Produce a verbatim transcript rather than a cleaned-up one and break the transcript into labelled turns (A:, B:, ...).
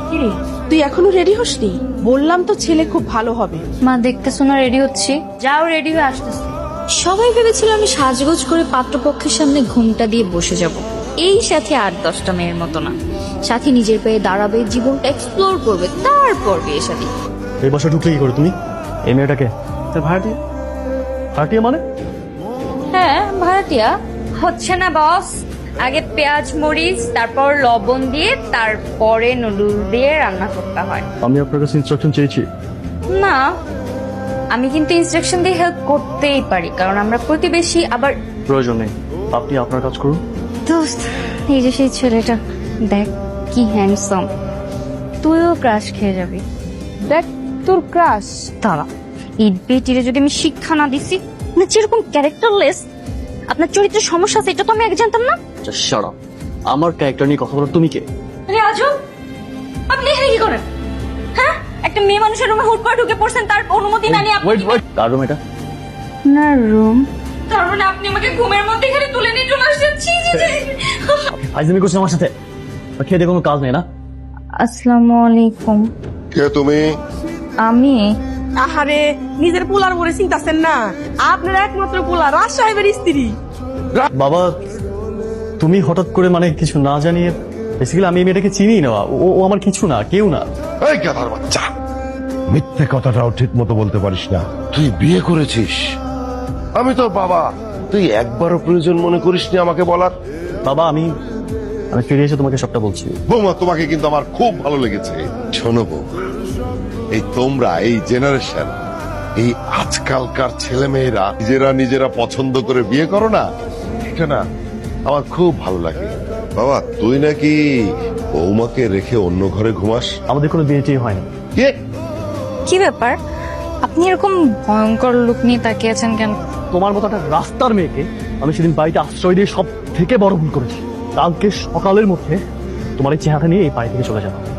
A: কিরে তুই এখনো রেডি হসনি? বললাম তো ছেলে খুব ভালো হবে।
B: মা দেখতেছো না রেডি হচ্ছি, যাও রেডি হয়ে আসতেছি।
C: সবাই ভেবেছিল আমি সাজগোজ করে পাত্রপক্ষের সামনে ঘুমটা দিয়ে বসে যাব। এই সাথে আট দশটা মেয়ের মতো না, সাথী নিজের পায়ে দাঁড়াবে, জীবনটা এক্সপ্লোর করবে, তারপর বিয়ে শাদী।
D: এই বাসা ঢুকলে কি করে তুমি? এই মেয়েটাকে তোর ভাড়াটিয়া? ভাড়াটিয়া মানে?
B: হ্যাঁ ভাড়াটিয়া। হচ্ছে না বস, আগে পেঁয়াজ মরিচ তারপর লবণ দিয়ে তারপরে নুডলস দিয়ে রান্না করতে হয়।
D: আমি আপনার কাছে ইনস্ট্রাকশন চেয়েছি।
B: না, আমি কিন্তু ইনস্ট্রাকশন দিয়ে হেল্প করতেই পারি, কারণ আমরা প্রতিবেশী। আবার
D: প্রয়োজন নেই, আপনি আপনার কাজ করুন।
B: দোস্ত, এই যে সেই ছেলেটা, দেখ কি হ্যান্ডসাম, তুইও ক্রাশ খেয়ে যাবি।
A: দেখ তোর ক্রাশ।
B: তারা এই বেটিরে যদি আমি শিক্ষা না দিছি না, যেরকম ক্যারেক্টারলেস, আপনার চরিত্রের সমস্যা আছে এটা তো আমি আগে জানতাম না।
D: শাট আপ, আমার ক্যারেক্টার নিয়ে কথা বলার তুমি কে?
B: আরে আজব, আপনি এখানে কি করেন? হ্যাঁ, একটা মেয়ে মানুষের রুমে হুট করে ঢুকে পড়ছেন, তার অনুমতি না নিয়ে আপনি।
D: ওয়েট ওয়েট, কার রুম এটা?
B: না রুম, তার মানে আপনি আমাকে ঘুমের মধ্যে এখানে তুলে নিয়ে চলে আসছেন। ছি ছি ছি।
D: ফাইজলামি করছেন আমার সাথে? খেয়ে দিয়ে কোনো কাজ নেই না?
B: আসসালামু আলাইকুম।
E: কে তুমি?
B: আমি
A: আহারে, নিজের পোলার বলে চিন্তাছেন না? আপনার একমাত্র পোলা রাজ সাহেবের স্ত্রী।
D: বাবা, তুমি হঠাৎ করে মানে কিছু না জানিয়ে, বেসিক্যালি আমি এই মেয়েটাকে চিনি না। ও ও আমার কিছু না, কেউ না।
E: এই গাধার বাচ্চা, মিথ্যে কথাটাও ঠিক মতো বলতে পারিস না। তুই বিয়ে করেছিস, আমি তোর বাবা। তুই একবারও প্রয়োজন মনে করিসনি আমাকে বলার?
D: বাবা, আমি আমি ফিরে এসে তোমাকে সবটা বলছি।
E: বৌমা, তোমাকে কিন্তু আমার খুব ভালো লেগেছে। শোনো বৌমা, এই তোমরা, এই জেনারেশন, এই আজকালকার ছেলে মেয়েরা নিজেরা নিজেরা পছন্দ করে বিয়ে করো না, এটা না আমার খুব ভালো লাগে। বাবা, তুই নাকি বৌমাকে রেখে অন্য ঘরে ঘুমাস?
D: আমাদের কোনো বিয়ে টিয়ে হয়নি।
E: কে?
B: কি ব্যাপার, আপনি এরকম ভয়ঙ্কর লুক নিয়ে তাকিয়ে আছেন কেন?
D: তোমার মতো একটা রাস্তার মেয়েকে আমি সেদিন বাড়িতে আশ্রয় দিয়ে সব থেকে বড় ভুল করেছি। কালকে সকালের মধ্যে তোমার এই চেহারা নিয়ে এই বাড়ি থেকে চলে যাবো।